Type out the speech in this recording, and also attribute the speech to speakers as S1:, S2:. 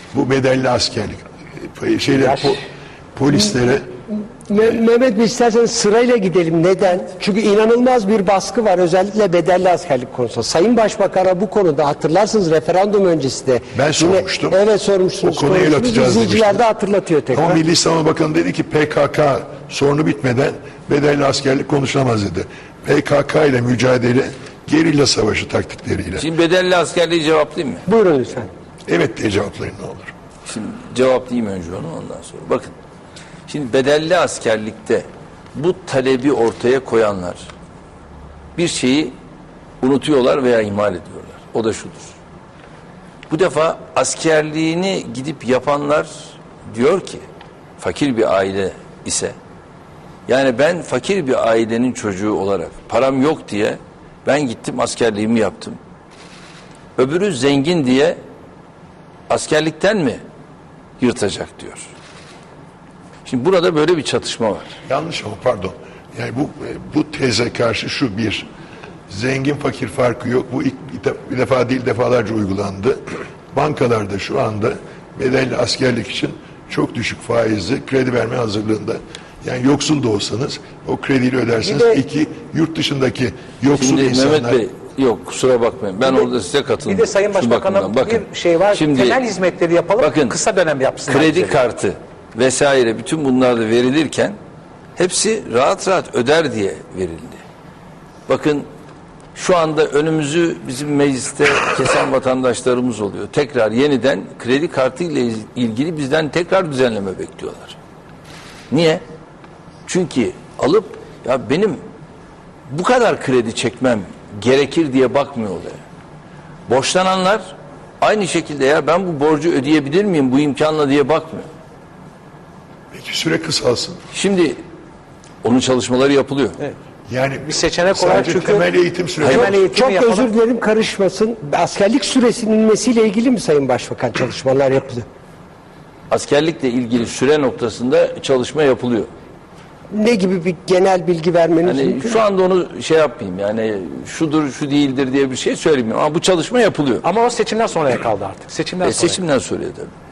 S1: bu bedelli askerlik polislere
S2: Mehmet Bey, isterseniz sırayla gidelim. Neden? Çünkü inanılmaz bir baskı var, özellikle bedelli askerlik konusunda. Sayın Başbakan'a bu konuda hatırlarsınız referandum öncesi de.
S1: ben sormuştum.
S2: Evet, sormuşsunuz.
S1: O konuya el atacağız
S2: İzleyiciler
S1: demiştim.
S2: de hatırlatıyor tekrar.
S1: Ama Milli Savunma Bakanı dedi ki PKK sorunu bitmeden bedelli askerlik konuşulamaz dedi. PKK ile mücadele gerilla savaşı taktikleriyle.
S3: Şimdi bedelli askerliği cevaplayayım mı?
S2: Buyurun lütfen.
S1: Evet diye cevaplayın ne olur.
S3: Şimdi cevaplayayım önce onu, ondan sonra. Bakın, şimdi bedelli askerlikte bu talebi ortaya koyanlar bir şeyi unutuyorlar veya ihmal ediyorlar. O da şudur. Bu defa askerliğini gidip yapanlar diyor ki, fakir bir aile ise, yani ben fakir bir ailenin çocuğu olarak param yok diye ben gittim askerliğimi yaptım. Öbürü zengin diye askerlikten mi yırtacak diyor. Şimdi burada böyle bir çatışma var.
S1: Yanlış ama pardon. Yani bu teze karşı şu bir, zengin fakir farkı yok. Bu ilk bir defa değil defalarca uygulandı. Bankalarda şu anda bedelli askerlik için çok düşük faizli kredi verme hazırlığında. Yani yoksul da olsanız o krediyle ödersiniz. İki, yurt dışındaki yoksul
S3: şimdi
S1: insanlar...
S3: Mehmet Bey, yok kusura bakmayın. Ben orada size katıldım.
S4: Bir de Sayın Başbakan'a bir şey var.
S3: Şimdi,
S4: temel hizmetleri yapalım,
S3: bakın,
S4: kısa dönem yapsınlar.
S3: Kredi kartı vesaire bütün bunlar da verilirken hepsi rahat rahat öder diye verildi. Bakın şu anda önümüzü bizim mecliste kesen vatandaşlarımız oluyor. Tekrar yeniden kredi kartı ile ilgili bizden tekrar düzenleme bekliyorlar. Niye? Çünkü alıp ya benim bu kadar kredi çekmem gerekir diye bakmıyor olaya. Borçlananlar aynı şekilde ya ben bu borcu ödeyebilir miyim bu imkanla diye bakmıyor.
S1: Peki süre kısalsın.
S3: Şimdi onun çalışmaları yapılıyor.
S4: Evet.
S1: Yani
S4: Bir seçenek olarak
S1: sadece
S4: çünkü
S1: temel eğitim süreci.
S4: temel eğitimi
S2: Çok
S4: yapalım.
S2: özür dilerim, karışmasın. Askerlik süresinin inmesiyle ilgili mi Sayın Başbakan çalışmalar yapılıyor?
S3: Askerlikle ilgili süre noktasında çalışma yapılıyor.
S2: Ne gibi bir genel bilgi vermeniz
S3: Yani
S2: mümkün?
S3: şu anda onu şey yapmayayım, yani şudur şu değildir diye bir şey söylemiyorum ama bu çalışma yapılıyor.
S4: Ama o seçimden sonraya kaldı artık. Seçimden sonra.
S3: Seçimden sonra tabii.